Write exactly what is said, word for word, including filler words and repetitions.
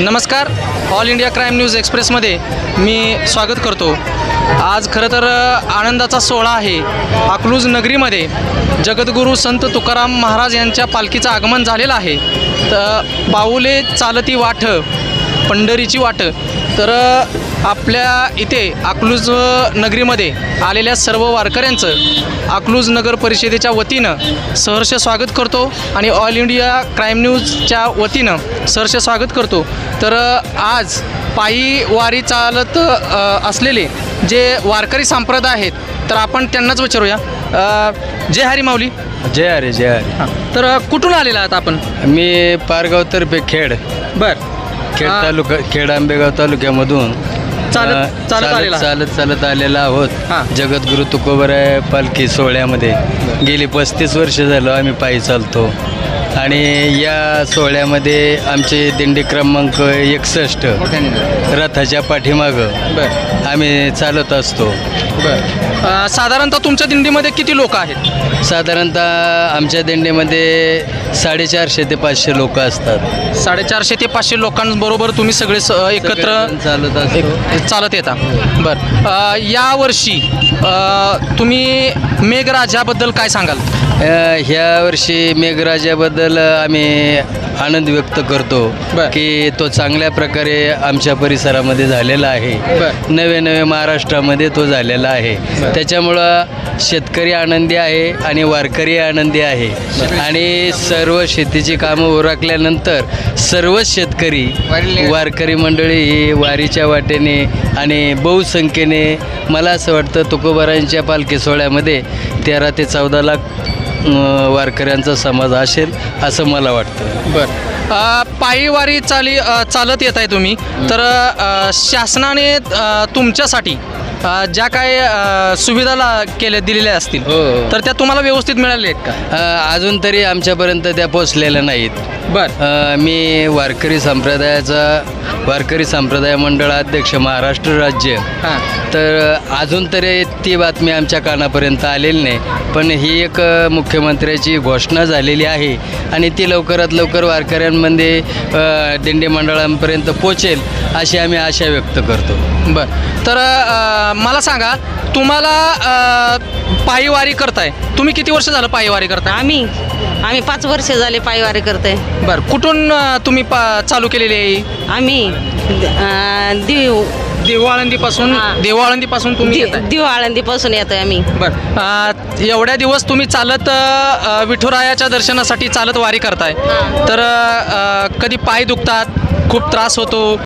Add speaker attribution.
Speaker 1: नमस्कार, all India crime news एक्सप्रेसमध्ये मी स्वागत करतो। आज खरं तर आनंदाचा सोहळा आहे। अकलूज नगरीमध्ये जगद्गुरू संत तुकाराम महाराज यांच्या पालखीचं आगमन झालेलं आहे। तर पाऊले चालती वाट पंढरीची वाट। तर आपल्या इथे अकलूज नगरीमध्ये आलेल्या सर्व वारकऱ्यांचं अकलूज नगर परिषदेच्या वतीनं सहर्ष स्वागत करतो आणि ऑल इंडिया क्राईम न्यूजच्या वतीनं सहर्ष स्वागत करतो। तर आज पायी वारी चालत असलेले जे वारकरी संप्रदाय आहेत तर आपण त्यांनाच विचारूया। जय हरी माऊली।
Speaker 2: जय हरी जय हरी।
Speaker 1: तर कुठून आलेला आहात आपण?
Speaker 2: मी पारगाव तर्फे खेड
Speaker 1: बर
Speaker 2: खेड तालुका खेड आंबेगाव तालुक्यामधून
Speaker 1: चालत चालत आलेला
Speaker 2: चालत चालत आलेला आहोत।
Speaker 1: हां।
Speaker 2: जगद्गुरू तुकोबराय पालखी सोहळ्यामध्ये गेली पस्तीस वर्ष झालं आम्ही पायी चालतो आणि या सोहळ्यामध्ये आमचे दिंडी क्रमांक एकसष्ट रथाच्या पाठीमागं
Speaker 1: बर
Speaker 2: आम्ही चालत असतो।
Speaker 1: बर साधारणतः तुमच्या दिंडीमध्ये किती लोक आहेत?
Speaker 2: साधारणतः आमच्या दिंडीमध्ये साडेचारशे ते पाचशे लोक असतात।
Speaker 1: साडेचारशे ते पाचशे लोकांबरोबर तुम्ही सगळे स- एकत्र
Speaker 2: सगळेजण चालत असतो।
Speaker 1: एक चालत येता। बरं अ, यावर्षी अ, तुम्ही मेघराजाबद्दल काय सांगाल?
Speaker 2: अ, ह्या वर्षी मेघराजाबद्दल आम्ही आनंद व्यक्त करतो
Speaker 1: बर.
Speaker 2: की तो चांगल्या प्रकारे आमच्या परिसरामध्ये झालेला आहे।
Speaker 1: बर.
Speaker 2: नवे नवे महाराष्ट्रामध्ये तो झालेला आहे।
Speaker 1: बर.
Speaker 2: त्याच्यामुळं शेतकरी आनंदी आहे आणि वारकरी आनंदी आहे आणि सर्व शेतीची कामं उरकल्यानंतर सर्वच शेतकरी वारकरी मंडळी ही वारीच्या वाटेने आणि बहुसंख्येने मला असं वाटतं तुकोबारायांच्या पालखी सोहळ्यामध्ये तेरा ते चौदा लाख वारकऱ्यांचा समाज असेल असं मला वाटतं।
Speaker 1: बरं पायी वारी चाली अ, चालत येत आहे तुम्ही तर अ, शासनाने अ, तुमच्यासाठी अ, ज्या काय अ, सुविधा केल्या दिलेल्या असतील
Speaker 2: हो, हो.
Speaker 1: तर त्या तुम्हाला व्यवस्थित मिळाल्या आहेत का?
Speaker 2: अ, अजून तरी आमच्यापर्यंत त्या पोचलेल्या नाहीत।
Speaker 1: बरं
Speaker 2: अ, मी वारकरी संप्रदायाचा वारकरी संप्रदाय मंडळाध्यक्ष महाराष्ट्र राज्य।
Speaker 1: हां
Speaker 2: तर अजून तरी ती बातमी आमच्या कानापर्यंत आलेली नाही, पण ही एक अ, मुख्यमंत्र्याची घोषणा झालेली आहे आणि ती लवकरात लवकर वारकऱ्यांमध्ये अ, दिंडी मंडळांपर्यंत पोचेल अशी आम्ही आशा व्यक्त करतो।
Speaker 1: बरं तर अ, मला सांगा तुम्हाला अ, पायी वारी करताय तुम्ही किती वर्ष झालं पायी वारी करताय?
Speaker 3: आम्ही आम्ही पाच वर्ष झाले पायवारी करते।
Speaker 1: बरं कुठून अ, तुम्ही पा चालू केलेली आहे?
Speaker 3: आम्ही अं, दिव
Speaker 1: देवआळंदीपासून
Speaker 3: हां.
Speaker 1: देवआळंदीपासून तुम्ही
Speaker 3: दि-
Speaker 1: येताय?
Speaker 3: दिव आळंदीपासून येतोय आम्ही।
Speaker 1: बरं अ, एवढ्या दिवस तुम्ही चालत अ, विठुरायाच्या दर्शनासाठी चालत वारी करताय
Speaker 3: हां.
Speaker 1: तर अ, कधी पाय दुखतात, खूप त्रास होतो?